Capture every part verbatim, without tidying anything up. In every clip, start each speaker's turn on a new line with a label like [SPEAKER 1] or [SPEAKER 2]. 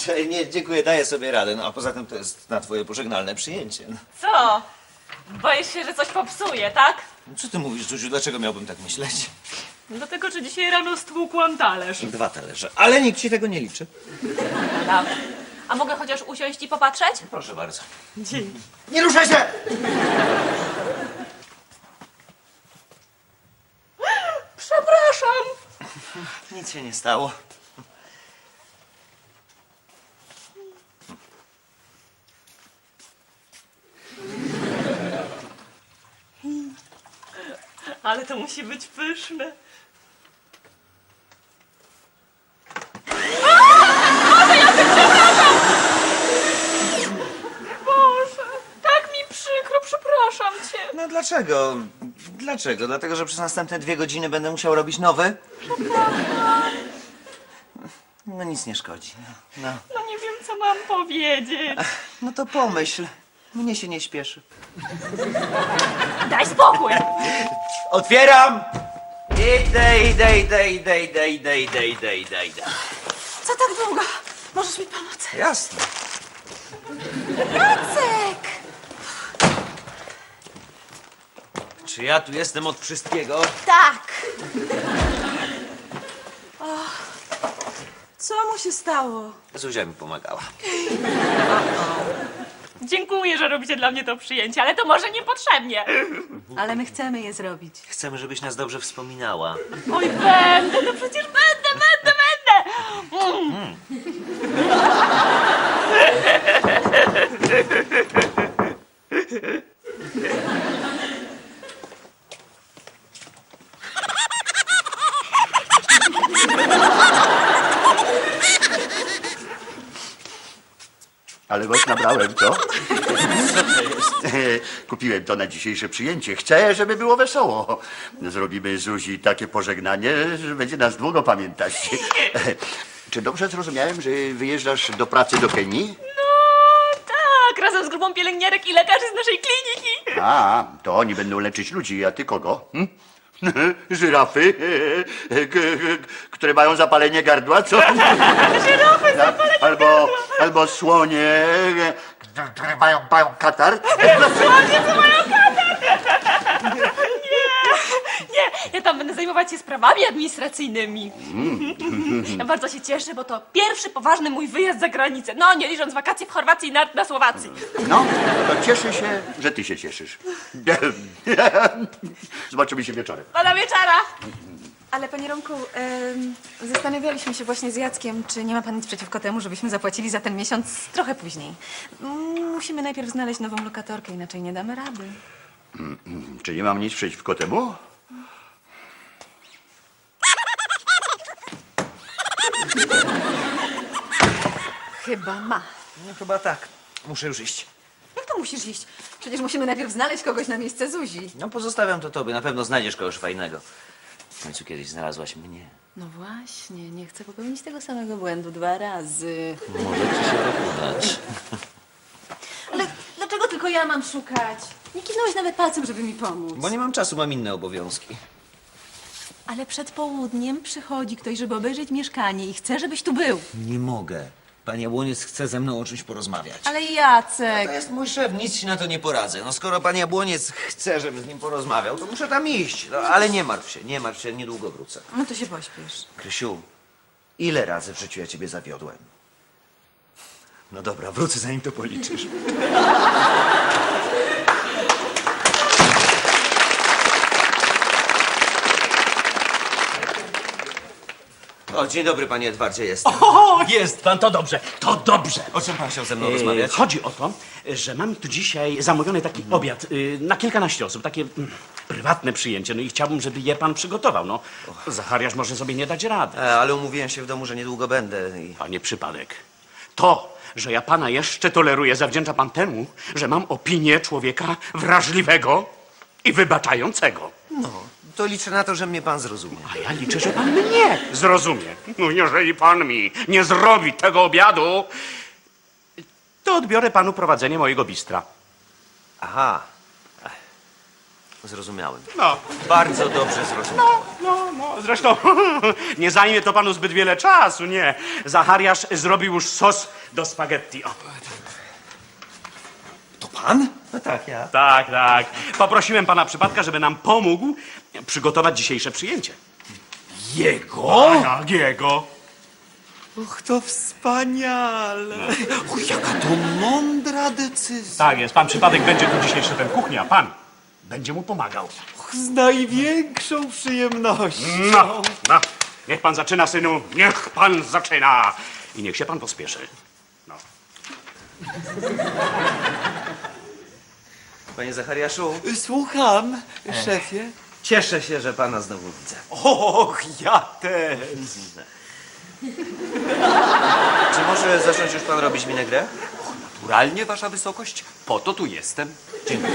[SPEAKER 1] Słuchaj, nie, dziękuję, daję sobie radę. No a poza tym to jest na twoje pożegnalne przyjęcie. No.
[SPEAKER 2] Co? Boisz się, że coś popsuje, tak?
[SPEAKER 1] Co ty mówisz, Zuziu? Dlaczego miałbym tak myśleć?
[SPEAKER 2] Dlatego, że dzisiaj rano stłukłam talerz.
[SPEAKER 1] Dwa talerze, ale nikt ci tego nie liczy.
[SPEAKER 2] Dobra. A mogę chociaż usiąść i popatrzeć?
[SPEAKER 1] Proszę bardzo.
[SPEAKER 2] Dzięki.
[SPEAKER 3] Nie ruszaj się!
[SPEAKER 2] Przepraszam.
[SPEAKER 1] Nic się nie stało.
[SPEAKER 2] Ale to musi być pyszne. Boże, tak mi przykro, przepraszam cię.
[SPEAKER 1] No dlaczego? Dlaczego? Dlatego, że przez następne dwie godziny będę musiał robić nowy? No nic nie szkodzi. No, no.
[SPEAKER 2] No nie wiem, co mam powiedzieć.
[SPEAKER 1] no to pomyśl. Mnie się nie śpieszy.
[SPEAKER 2] Daj spokój.
[SPEAKER 1] Otwieram! Idę, idę, idę, idę, idę, idę, idę, idę, idę, idę.
[SPEAKER 4] Co tak długo? Możesz mi pomóc?
[SPEAKER 1] Jasne.
[SPEAKER 4] Jacek!
[SPEAKER 1] Czy ja tu jestem od wszystkiego?
[SPEAKER 4] Tak! O, co mu się stało?
[SPEAKER 1] Zuzia mi pomagała.
[SPEAKER 2] Dziękuję, że robicie dla mnie to przyjęcie, ale to może niepotrzebnie.
[SPEAKER 4] Ale my chcemy je zrobić.
[SPEAKER 1] Chcemy, żebyś nas dobrze wspominała.
[SPEAKER 2] Oj, będę, no przecież będę, będę, będę. Mm.
[SPEAKER 3] Ale was nabrałem, co? Kupiłem to na dzisiejsze przyjęcie. Chcę, żeby było wesoło. Zrobimy Zuzi takie pożegnanie, że będzie nas długo pamiętać. Czy dobrze zrozumiałem, że wyjeżdżasz do pracy do Kenii?
[SPEAKER 2] No tak, razem z grupą pielęgniarek i lekarzy z naszej kliniki.
[SPEAKER 3] A, to oni będą leczyć ludzi, a ty kogo? Hm? Żyrafy, k- k- które mają zapalenie gardła, co?
[SPEAKER 2] Żyrafy, zapalenie
[SPEAKER 3] Albo, albo słonie, które mają, mają katar.
[SPEAKER 2] Słonie, co mają katar. Nie, nie, ja tam będę zajmować się sprawami administracyjnymi. Ja bardzo się cieszę, bo to pierwszy poważny mój wyjazd za granicę. No, nie licząc wakacji w Chorwacji i na, na Słowacji.
[SPEAKER 3] No, to cieszę się, że ty się cieszysz. Zobaczymy się wieczorem.
[SPEAKER 2] Do wieczora.
[SPEAKER 4] Ale panie Romku, em, zastanawialiśmy się właśnie z Jackiem, czy nie ma pan nic przeciwko temu, żebyśmy zapłacili za ten miesiąc trochę później. Mm, Musimy najpierw znaleźć nową lokatorkę, inaczej nie damy rady.
[SPEAKER 3] Czy nie mam nic przeciwko temu?
[SPEAKER 4] Chyba ma.
[SPEAKER 1] No chyba tak. Muszę już iść.
[SPEAKER 4] Jak to musisz iść? Przecież musimy najpierw znaleźć kogoś na miejsce Zuzi.
[SPEAKER 1] No pozostawiam to tobie. Na pewno znajdziesz kogoś fajnego. W końcu kiedyś znalazłaś mnie.
[SPEAKER 4] No właśnie, nie chcę popełnić tego samego błędu dwa razy.
[SPEAKER 1] Może ci się tak udać.
[SPEAKER 4] Ale dlaczego tylko ja mam szukać? Nie kiwnąłeś nawet palcem, żeby mi pomóc.
[SPEAKER 1] Bo nie mam czasu, mam inne obowiązki.
[SPEAKER 4] Ale przed południem przychodzi ktoś, żeby obejrzeć mieszkanie i chce, żebyś tu był.
[SPEAKER 1] Nie mogę. Pan Jabłoniec chce ze mną o czymś porozmawiać.
[SPEAKER 4] Ale Jacek...
[SPEAKER 1] To jest mój szef, nic ci na to nie poradzę. No skoro pan Jabłoniec chce, żebym z nim porozmawiał, to muszę tam iść. No, ale nie martw się, nie martw się, niedługo wrócę.
[SPEAKER 4] No to się pośpiesz.
[SPEAKER 1] Krysiu, ile razy w życiu ja ciebie zawiodłem? No dobra, wrócę zanim to policzysz. O, dzień dobry, panie Edwardzie, jestem.
[SPEAKER 5] O, jest pan, to dobrze, to dobrze.
[SPEAKER 1] O czym pan chciał ze mną
[SPEAKER 5] E,
[SPEAKER 1] rozmawiać?
[SPEAKER 5] Chodzi o to, że mam tu dzisiaj zamówiony taki obiad y, na kilkanaście osób, takie mm, prywatne przyjęcie, no i chciałbym, żeby je pan przygotował, no. Zachariasz może sobie nie dać rady.
[SPEAKER 1] E, ale umówiłem się w domu, że niedługo będę i...
[SPEAKER 5] Panie przypadek, to, że ja pana jeszcze toleruję, zawdzięcza pan temu, że mam opinię człowieka wrażliwego i wybaczającego.
[SPEAKER 1] No, to liczę na to, że mnie pan zrozumie.
[SPEAKER 5] A ja liczę, że pan mnie zrozumie. No jeżeli pan mi nie zrobi tego obiadu, to odbiorę panu prowadzenie mojego bistra.
[SPEAKER 1] Aha. Zrozumiałem.
[SPEAKER 5] No,
[SPEAKER 1] Bardzo dobrze zrozumiałem.
[SPEAKER 5] no, no, zresztą nie zajmie to panu zbyt wiele czasu, nie. Zachariasz zrobił już sos do spaghetti. O.
[SPEAKER 1] To pan? No tak, ja.
[SPEAKER 5] Tak, tak. Poprosiłem pana przypadka, żeby nam pomógł przygotować dzisiejsze przyjęcie.
[SPEAKER 1] Jego?
[SPEAKER 5] Tak, jego.
[SPEAKER 6] Och, to wspaniale! Och, jaka to mądra decyzja!
[SPEAKER 5] Tak jest, pan przypadek będzie tu dzisiaj szefem kuchni, a pan będzie mu pomagał.
[SPEAKER 6] Och, z największą przyjemnością!
[SPEAKER 5] No, no. Niech pan zaczyna, synu, niech pan zaczyna. I niech się pan pospieszy. No.
[SPEAKER 1] Panie Zachariaszu,
[SPEAKER 6] Słucham, szefie.
[SPEAKER 1] cieszę się, że pana znowu widzę.
[SPEAKER 6] Och, ja też!
[SPEAKER 1] Czy może zacząć już pan robić minegrę?
[SPEAKER 6] Naturalnie, wasza wysokość, po to tu jestem.
[SPEAKER 1] Dziękuję.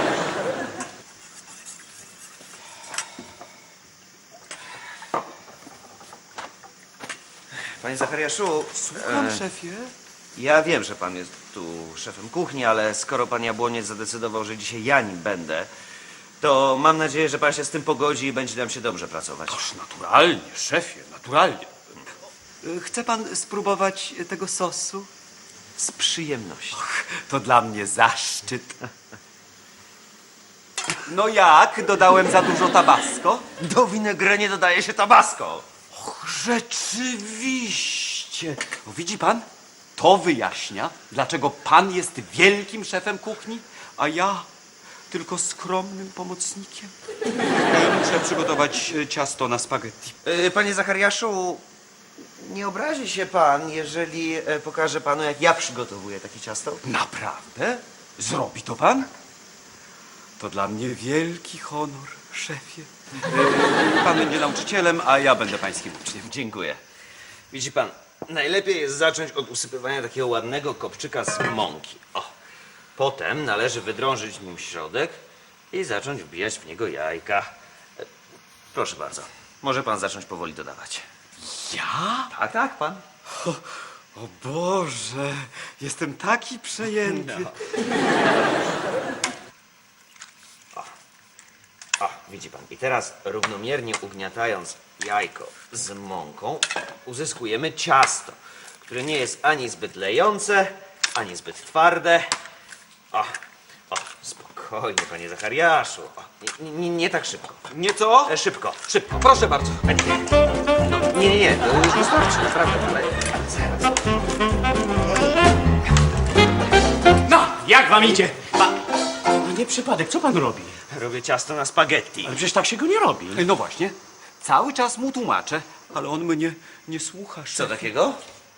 [SPEAKER 1] Panie Zachariaszu,
[SPEAKER 6] Słucham,
[SPEAKER 1] e,
[SPEAKER 6] szefie.
[SPEAKER 1] ja wiem, że pan jest tu szefem kuchni, ale skoro pan Jabłoniec zadecydował, że dzisiaj ja nim będę, to mam nadzieję, że pan się z tym pogodzi i będzie nam się dobrze pracować.
[SPEAKER 6] Oż naturalnie, szefie, naturalnie. Chce pan spróbować tego sosu?
[SPEAKER 1] Z przyjemnością.
[SPEAKER 6] To dla mnie zaszczyt. No jak? Dodałem za dużo tabasco?
[SPEAKER 1] Do winegry nie dodaje się tabasco.
[SPEAKER 6] Och, rzeczywiście. No, widzi pan? To wyjaśnia, dlaczego pan jest wielkim szefem kuchni, a ja tylko skromnym pomocnikiem. E, Muszę przygotować e, ciasto na spaghetti.
[SPEAKER 1] E, Panie Zachariaszu, nie obrazi się pan, jeżeli e, pokażę panu, jak ja przygotowuję takie ciasto?
[SPEAKER 6] Naprawdę? Zrobi to pan? To dla mnie wielki honor, szefie. E, Pan będzie nauczycielem, a ja będę pańskim uczniem.
[SPEAKER 1] Dziękuję. Widzi pan, najlepiej jest zacząć od usypywania takiego ładnego kopczyka z mąki. O. Potem należy wydrążyć nim środek i zacząć wbijać w niego jajka. E, Proszę bardzo, może pan zacząć powoli dodawać.
[SPEAKER 6] Ja?
[SPEAKER 1] Tak, tak, pan.
[SPEAKER 6] O Boże, jestem taki przejęty.
[SPEAKER 1] O, widzi pan. I teraz równomiernie ugniatając jajko z mąką, uzyskujemy ciasto, które nie jest ani zbyt lejące, ani zbyt twarde. O, o, spokojnie, panie Zachariaszu. O, nie, nie, nie tak szybko.
[SPEAKER 6] Nieco?
[SPEAKER 1] E, szybko, szybko.
[SPEAKER 6] Proszę bardzo.
[SPEAKER 1] No, nie, nie, nie, to już wystarczy, naprawdę, ale zaraz.
[SPEAKER 5] No, jak wam idzie? Pa... Nie przypadek, co pan robi?
[SPEAKER 1] Robię ciasto na spaghetti.
[SPEAKER 5] Ale przecież tak się go nie robi.
[SPEAKER 6] No właśnie, cały czas mu tłumaczę, ale on mnie nie słucha.
[SPEAKER 1] Co
[SPEAKER 6] szefie.
[SPEAKER 1] takiego?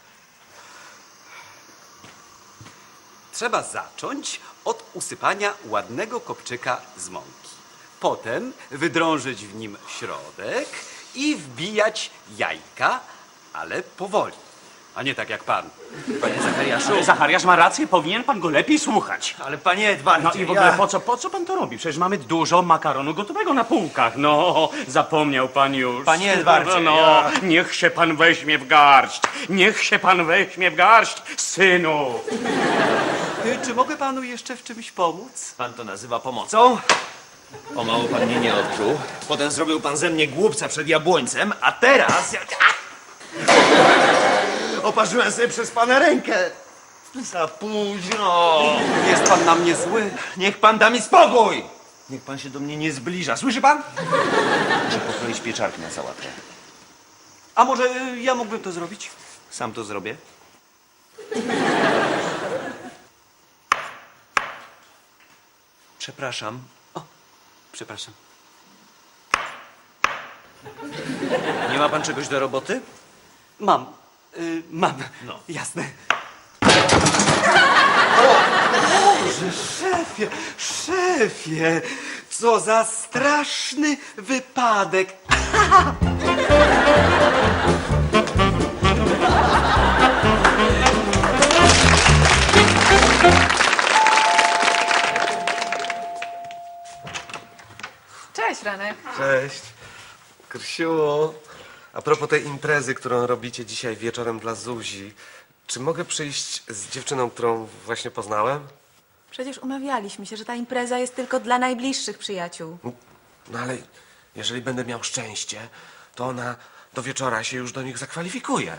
[SPEAKER 6] Trzeba zacząć od usypania ładnego kopczyka z mąki. Potem wydrążyć w nim środek i wbijać jajka, ale powoli. A nie tak jak pan.
[SPEAKER 1] Panie Zachariaszu.
[SPEAKER 5] Ale Zachariasz ma rację, powinien pan go lepiej słuchać.
[SPEAKER 1] Ale panie Edwardzie,
[SPEAKER 5] No i w ogóle
[SPEAKER 1] ja...
[SPEAKER 5] po co, po co pan to robi? Przecież mamy dużo makaronu gotowego na półkach. No, zapomniał pan już.
[SPEAKER 1] Panie Edwardzie,
[SPEAKER 5] No,
[SPEAKER 1] ja-
[SPEAKER 5] niech się pan weźmie w garść. Niech się pan weźmie w garść, synu.
[SPEAKER 6] Y, Czy mogę panu jeszcze w czymś pomóc?
[SPEAKER 1] Pan to nazywa pomocą? O mało pan mnie nie odczuł. Potem zrobił pan ze mnie głupca przed jabłońcem, a teraz... Ja... Oparzyłem sobie przez pana rękę. Za późno.
[SPEAKER 6] Jest pan na mnie zły.
[SPEAKER 1] Niech pan da mi spokój. Niech pan się do mnie nie zbliża. Słyszy pan? Muszę pokroić pieczarki na sałatkę.
[SPEAKER 6] A może y, ja mógłbym to zrobić?
[SPEAKER 1] Sam to zrobię.
[SPEAKER 6] Przepraszam. O, przepraszam.
[SPEAKER 1] Nie ma pan czegoś do roboty?
[SPEAKER 6] Mam. Y, mam.
[SPEAKER 1] No.
[SPEAKER 6] Jasne. Boże, szefie, szefie, co za straszny wypadek.
[SPEAKER 4] Cześć, Franek.
[SPEAKER 7] Cześć. Krysiu, a propos tej imprezy, którą robicie dzisiaj wieczorem dla Zuzi, czy mogę przyjść z dziewczyną, którą właśnie poznałem?
[SPEAKER 4] Przecież umawialiśmy się, że ta impreza jest tylko dla najbliższych przyjaciół.
[SPEAKER 7] No ale jeżeli będę miał szczęście, to ona do wieczora się już do nich zakwalifikuje.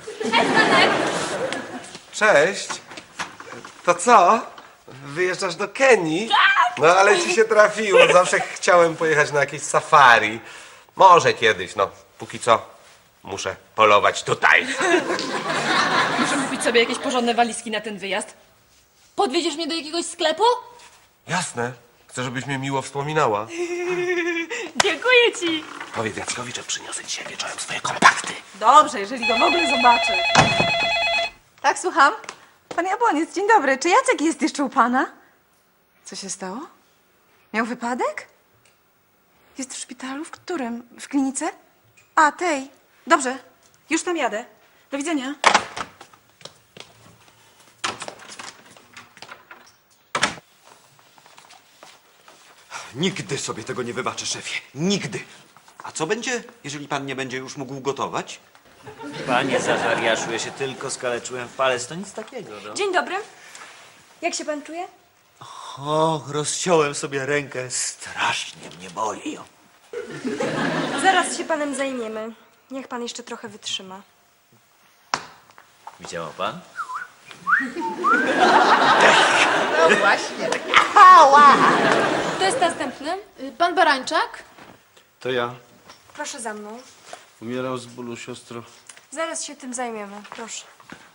[SPEAKER 7] Cześć. To co? Wyjeżdżasz do Kenii? No ale ci się trafiło. Zawsze chciałem pojechać na jakieś safari. Może kiedyś, no. Póki co muszę polować tutaj.
[SPEAKER 2] Muszę kupić sobie jakieś porządne walizki na ten wyjazd. Podwieziesz mnie do jakiegoś sklepu?
[SPEAKER 7] Jasne. Chcę, żebyś mnie miło wspominała.
[SPEAKER 2] Dziękuję ci.
[SPEAKER 7] Powiedz Jackowi, że przyniosę dzisiaj wieczorem swoje kontakty.
[SPEAKER 4] Dobrze, jeżeli go w ogóle zobaczy. Tak, słucham? Pan Jabłoniec, dzień dobry. Czy Jacek jest jeszcze u pana? Co się stało? Miał wypadek? Jest w szpitalu? W którym? W klinice? A, tej. Dobrze, już tam jadę. Do widzenia.
[SPEAKER 6] Nigdy sobie tego nie wybaczę, szefie. Nigdy. A co będzie, jeżeli pan nie będzie już mógł gotować?
[SPEAKER 1] Panie Zachariaszu, ja się tylko skaleczyłem w palec, to nic takiego, no.
[SPEAKER 8] Dzień dobry. Jak się pan czuje?
[SPEAKER 1] O, rozciąłem sobie rękę, strasznie mnie boli.
[SPEAKER 8] Zaraz się panem zajmiemy. Niech pan jeszcze trochę wytrzyma.
[SPEAKER 1] Widział pan?
[SPEAKER 8] To jest następny.
[SPEAKER 2] Pan Barańczak?
[SPEAKER 9] To ja.
[SPEAKER 8] Proszę za mną.
[SPEAKER 9] Umieram z bólu, siostro.
[SPEAKER 8] Zaraz się tym zajmiemy. Proszę.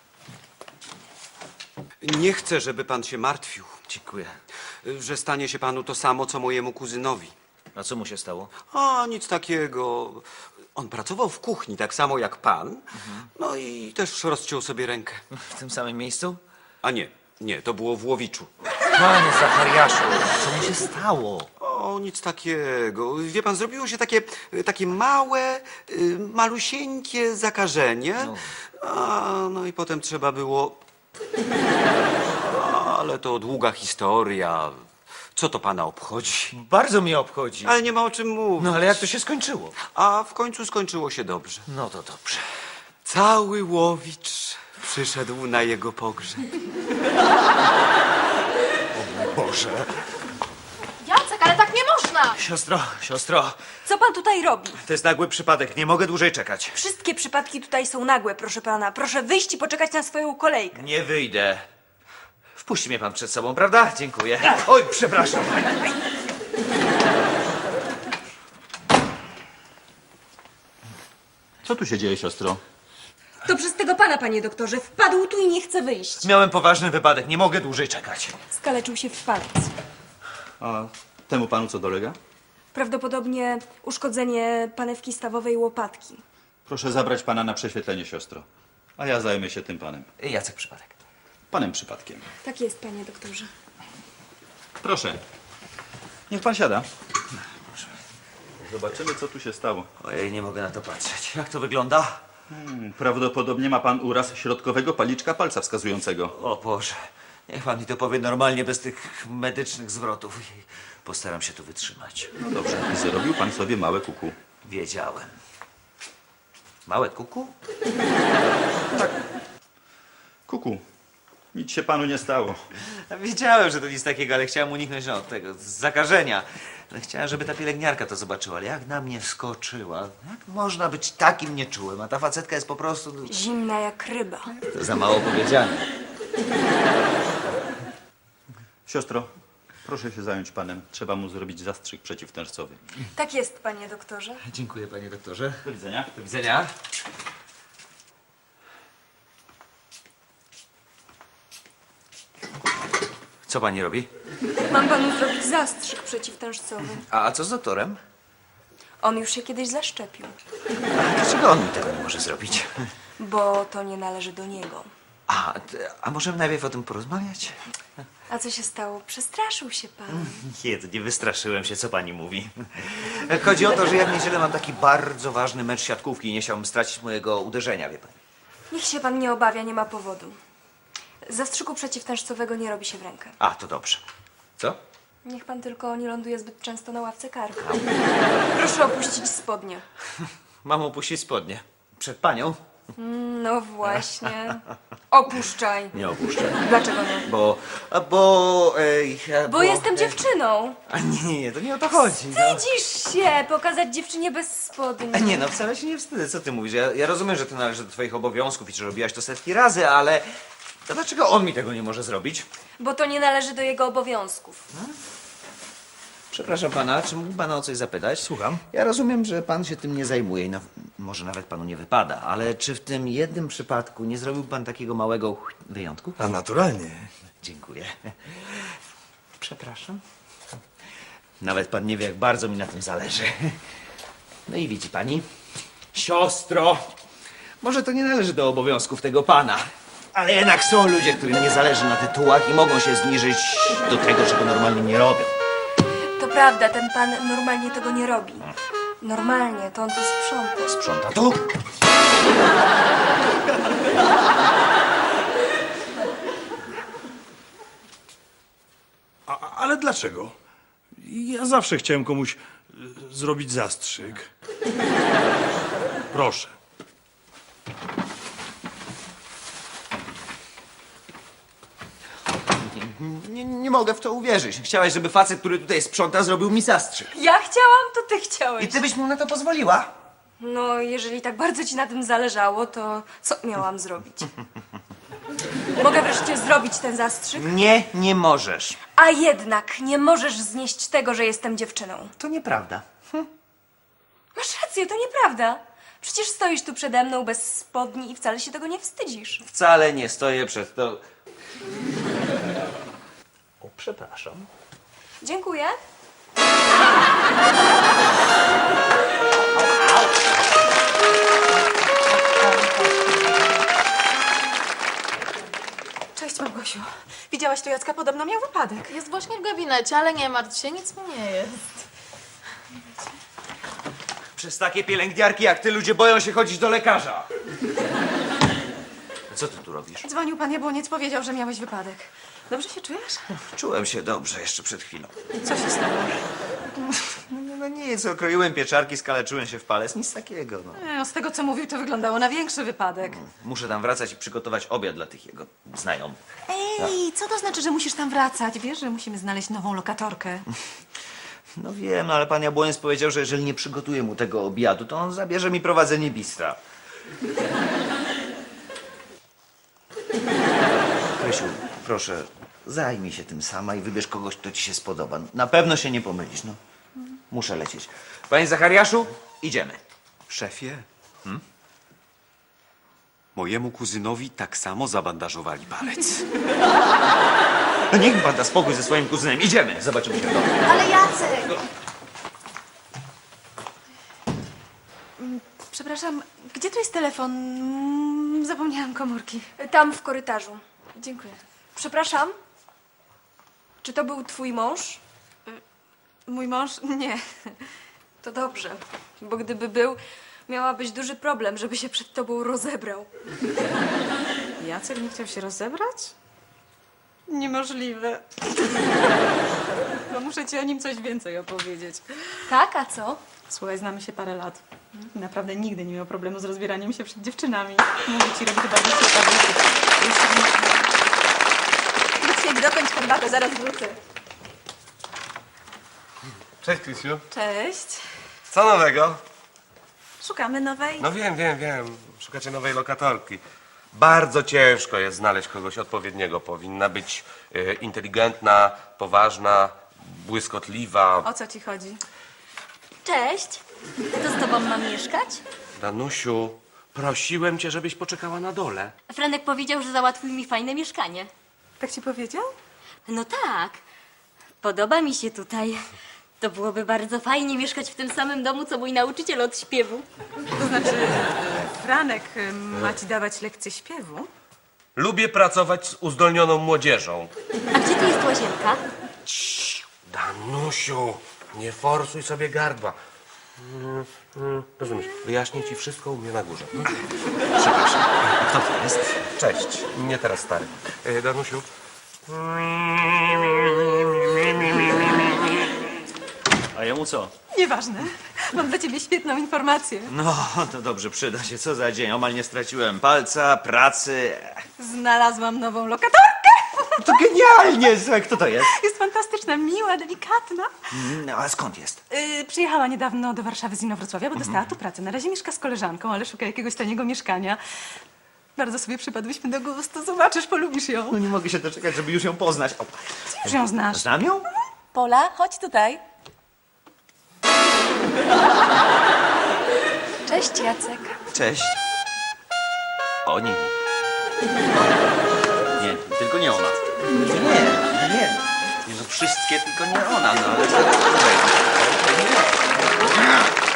[SPEAKER 6] Nie chcę, żeby pan się martwił,
[SPEAKER 1] Dziękuję.
[SPEAKER 6] że stanie się panu to samo, co mojemu kuzynowi.
[SPEAKER 1] A co mu się stało?
[SPEAKER 6] A, nic takiego. On pracował w kuchni, tak samo jak pan. No i też rozciął sobie rękę.
[SPEAKER 1] W tym samym miejscu?
[SPEAKER 6] A nie, nie, to było w Łowiczu.
[SPEAKER 1] Panie Zachariaszu, co mu się stało?
[SPEAKER 6] O, nic takiego. Wie pan, zrobiło się takie, takie małe, y, malusieńkie zakażenie. A, no i potem trzeba było... Ale to długa historia. Co to pana obchodzi?
[SPEAKER 1] Bardzo mnie obchodzi.
[SPEAKER 6] Ale nie ma o czym mówić.
[SPEAKER 1] No ale jak to się skończyło?
[SPEAKER 6] A w końcu skończyło się dobrze.
[SPEAKER 1] No to dobrze.
[SPEAKER 6] Cały Łowicz przyszedł na jego pogrzeb.
[SPEAKER 1] Boże.
[SPEAKER 2] Jacek, ale tak nie można!
[SPEAKER 1] Siostro, siostro,
[SPEAKER 8] Co pan tutaj robi?
[SPEAKER 1] to jest nagły przypadek, nie mogę dłużej czekać.
[SPEAKER 8] Wszystkie przypadki tutaj są nagłe, proszę pana. Proszę wyjść i poczekać na swoją kolejkę.
[SPEAKER 1] Nie wyjdę. Wpuści mnie pan przed sobą, prawda? Dziękuję. Oj, przepraszam.
[SPEAKER 3] Co tu się dzieje, siostro?
[SPEAKER 8] To przez tego pana, panie doktorze. Wpadł tu i nie chce wyjść.
[SPEAKER 1] Miałem poważny wypadek, nie mogę dłużej czekać.
[SPEAKER 8] Skaleczył się w palec.
[SPEAKER 3] A temu panu co dolega?
[SPEAKER 8] Prawdopodobnie uszkodzenie panewki stawowej łopatki.
[SPEAKER 10] Proszę zabrać pana na prześwietlenie, siostro. A ja zajmę się tym panem.
[SPEAKER 1] Jacek przypadek.
[SPEAKER 10] Panem przypadkiem.
[SPEAKER 8] Tak jest, panie doktorze.
[SPEAKER 10] Proszę. Niech pan siada. Zobaczymy, co tu się stało.
[SPEAKER 1] Ojej, nie mogę na to patrzeć. Jak to wygląda?
[SPEAKER 10] Hmm, prawdopodobnie ma pan uraz środkowego paliczka palca wskazującego.
[SPEAKER 1] O Boże, niech pan mi to powie normalnie, bez tych medycznych zwrotów. Postaram się tu wytrzymać.
[SPEAKER 10] No dobrze. Zrobił pan sobie małe kuku.
[SPEAKER 1] Wiedziałem. Małe kuku?
[SPEAKER 10] Kuku. Nic się panu nie stało.
[SPEAKER 1] Wiedziałem, że to nic takiego, ale chciałem uniknąć no, tego zakażenia. Ale chciałem, żeby ta pielęgniarka to zobaczyła, ale jak na mnie wskoczyła. Jak można być takim nieczułym, a ta facetka jest po prostu...
[SPEAKER 8] Zimna jak ryba.
[SPEAKER 1] To za mało powiedziane.
[SPEAKER 10] Siostro, proszę się zająć panem. Trzeba mu zrobić zastrzyk przeciwtężcowy.
[SPEAKER 8] Tak jest, panie doktorze.
[SPEAKER 1] Dziękuję, panie doktorze.
[SPEAKER 10] Do widzenia.
[SPEAKER 1] Do widzenia. Co pani robi?
[SPEAKER 8] Mam panu zrobić zastrzyk przeciwtężcowy.
[SPEAKER 1] A, a co z doktorem?
[SPEAKER 8] On już się kiedyś zaszczepił,
[SPEAKER 1] A dlaczego on mi tego nie może zrobić?
[SPEAKER 8] bo to nie należy do niego.
[SPEAKER 1] A, t- a możemy najpierw o tym porozmawiać?
[SPEAKER 8] A co się stało? Przestraszył się pan.
[SPEAKER 1] Nie, to nie wystraszyłem się, co pani mówi. Chodzi o to, że ja w niedzielę mam taki bardzo ważny mecz siatkówki i nie chciałbym stracić mojego uderzenia, wie pani.
[SPEAKER 8] Niech się pan nie obawia, nie ma powodu. Zastrzyku przeciwtężcowego nie robi się w rękę.
[SPEAKER 1] A, to dobrze. Co?
[SPEAKER 8] Niech pan tylko nie ląduje zbyt często na ławce karku. Proszę opuścić spodnie.
[SPEAKER 1] Mam opuścić spodnie. Przed panią?
[SPEAKER 8] No właśnie. Opuszczaj.
[SPEAKER 1] Nie opuszczę.
[SPEAKER 8] Dlaczego nie?
[SPEAKER 1] Bo, a bo... Ej, a
[SPEAKER 8] Bo jestem dziewczyną.
[SPEAKER 1] A nie, nie, to nie o to chodzi. No.
[SPEAKER 8] Wstydzisz się pokazać dziewczynie bez spodni.
[SPEAKER 1] A nie, no wcale się nie wstydzę, co ty mówisz? Ja, ja rozumiem, że to należy do twoich obowiązków i że robiłaś to setki razy, ale... To dlaczego on mi tego nie może zrobić?
[SPEAKER 8] Bo to nie należy do jego obowiązków.
[SPEAKER 1] Przepraszam pana, czy mógł pana o coś zapytać?
[SPEAKER 9] Słucham.
[SPEAKER 1] Ja rozumiem, że pan się tym nie zajmuje i na, może nawet panu nie wypada, ale czy w tym jednym przypadku nie zrobił pan takiego małego wyjątku?
[SPEAKER 9] A naturalnie.
[SPEAKER 1] Dziękuję. Przepraszam. Nawet pan nie wie, jak bardzo mi na tym zależy. No i widzi pani, siostro, może to nie należy do obowiązków tego pana, ale jednak są ludzie, którym nie zależy na tytułach i mogą się zniżyć do tego, czego normalnie nie robią.
[SPEAKER 8] To prawda, ten pan normalnie tego nie robi. Normalnie, to on tu sprząta.
[SPEAKER 1] Sprząta tu?
[SPEAKER 9] A, ale dlaczego? Ja zawsze chciałem komuś y, zrobić zastrzyk. Proszę.
[SPEAKER 1] Nie, nie mogę w to uwierzyć. Chciałaś, żeby facet, który tutaj sprząta, zrobił mi zastrzyk.
[SPEAKER 8] Ja chciałam, to ty chciałeś.
[SPEAKER 1] I ty byś mu na to pozwoliła?
[SPEAKER 8] No, jeżeli tak bardzo ci na tym zależało, to co miałam zrobić? Mogę wreszcie zrobić ten zastrzyk?
[SPEAKER 1] Nie, nie możesz.
[SPEAKER 8] A jednak nie możesz znieść tego, że jestem dziewczyną.
[SPEAKER 1] To nieprawda.
[SPEAKER 8] Masz rację, to nieprawda. Przecież stoisz tu przede mną bez spodni i wcale się tego nie wstydzisz.
[SPEAKER 1] Wcale nie stoję przed to. O, przepraszam.
[SPEAKER 8] Dziękuję.
[SPEAKER 4] Cześć, Małgosiu. Widziałaś tu Jacka? Podobno miał wypadek.
[SPEAKER 11] Jest właśnie w gabinecie, ale nie martw się, nic mu nie jest.
[SPEAKER 1] Przez takie pielęgniarki jak ty ludzie boją się chodzić do lekarza. Co ty tu robisz?
[SPEAKER 4] Dzwonił pan Jabłoniec, powiedział, że miałeś wypadek. Dobrze się czujesz?
[SPEAKER 1] Czułem się dobrze jeszcze przed chwilą.
[SPEAKER 4] Co się stało?
[SPEAKER 1] No, no nic, okroiłem pieczarki, skaleczyłem się w palec, nic takiego. No.
[SPEAKER 4] E, z tego, co mówił, to wyglądało na większy wypadek.
[SPEAKER 1] Muszę tam wracać i przygotować obiad dla tych jego znajomych.
[SPEAKER 4] Ej, co to znaczy, że musisz tam wracać? Wiesz, że musimy znaleźć nową lokatorkę.
[SPEAKER 1] No wiem, no ale pan Jabłoniec powiedział, że jeżeli nie przygotuję mu tego obiadu, to on zabierze mi prowadzenie bistra. Krysiu, proszę, zajmij się tym sama i wybierz kogoś, kto ci się spodoba. Na pewno się nie pomylisz, no. Muszę lecieć. Panie Zachariaszu, idziemy.
[SPEAKER 6] Szefie, hmm? Mojemu kuzynowi tak samo zabandażowali palec.
[SPEAKER 1] No niech mi pan da spokój ze swoim kuzynem. Idziemy, zobaczymy się w domu.
[SPEAKER 11] Ale Jacek!
[SPEAKER 4] Przepraszam, gdzie tu jest telefon? Mm, Zapomniałam komórki.
[SPEAKER 8] Tam w korytarzu.
[SPEAKER 4] Dziękuję.
[SPEAKER 8] Przepraszam? Czy to był twój mąż?
[SPEAKER 4] Mój mąż? Nie.
[SPEAKER 8] To dobrze, bo gdyby był, miałabyś duży problem, żeby się przed tobą rozebrał.
[SPEAKER 4] Jacek nie chciał się rozebrać? Niemożliwe. No muszę ci o nim coś więcej opowiedzieć.
[SPEAKER 8] Tak, a co?
[SPEAKER 4] Słuchaj, znamy się parę lat. Naprawdę nigdy nie miał problemu z rozbieraniem się przed dziewczynami. Mówię ci, robi to bardzo ciekawe. Luciek, dokończ herbatę, zaraz wrócę.
[SPEAKER 7] Cześć, Krysiu.
[SPEAKER 4] Cześć.
[SPEAKER 7] Co nowego?
[SPEAKER 4] Szukamy nowej.
[SPEAKER 7] No wiem, wiem, wiem. Szukacie nowej lokatorki. Bardzo ciężko jest znaleźć kogoś odpowiedniego. Powinna być e, inteligentna, poważna, błyskotliwa.
[SPEAKER 4] O co ci chodzi?
[SPEAKER 11] Cześć! To z tobą mam mieszkać?
[SPEAKER 7] Danusiu, prosiłem cię, żebyś poczekała na dole.
[SPEAKER 11] Franek powiedział, że załatwił mi fajne mieszkanie.
[SPEAKER 4] Tak ci powiedział?
[SPEAKER 11] No tak. Podoba mi się tutaj. To byłoby bardzo fajnie mieszkać w tym samym domu, co mój nauczyciel od śpiewu.
[SPEAKER 4] To znaczy, Franek y, ma ci dawać lekcje śpiewu?
[SPEAKER 7] Lubię pracować z uzdolnioną młodzieżą.
[SPEAKER 11] A gdzie tu jest łazienka?
[SPEAKER 7] Danusiu, nie forsuj sobie gardła. Mm, mm, Rozumiesz, wyjaśnię ci wszystko u mnie na górze.
[SPEAKER 1] Przepraszam, a kto to jest?
[SPEAKER 7] Cześć, nie teraz stary. E, Danusiu.
[SPEAKER 10] A jemu co?
[SPEAKER 4] Nieważne. Mam dla ciebie świetną informację.
[SPEAKER 1] No, to dobrze, przyda się. Co za dzień. Omal nie straciłem palca, pracy.
[SPEAKER 4] Znalazłam nową lokatorkę.
[SPEAKER 1] To genialnie! Słuchaj, kto to jest?
[SPEAKER 4] Jest fantastyczna, miła, delikatna.
[SPEAKER 1] No, a skąd jest?
[SPEAKER 4] Yy, przyjechała niedawno do Warszawy z Inowrocławia, bo dostała tu pracę. Na razie mieszka z koleżanką, ale szuka jakiegoś taniego mieszkania. Bardzo sobie przypadłyśmy do gustu. Zobaczysz, polubisz ją.
[SPEAKER 1] No nie mogę się doczekać, żeby już ją poznać. O,
[SPEAKER 4] Ty już ją znasz.
[SPEAKER 1] znam ją?
[SPEAKER 4] Pola, chodź tutaj.
[SPEAKER 8] Cześć, Jacek.
[SPEAKER 1] Cześć. O nie. Nie, tylko nie ona. Nie, nie, nie. Nie, no wszystkie, tylko nie ona. No ale zaraz. Nie.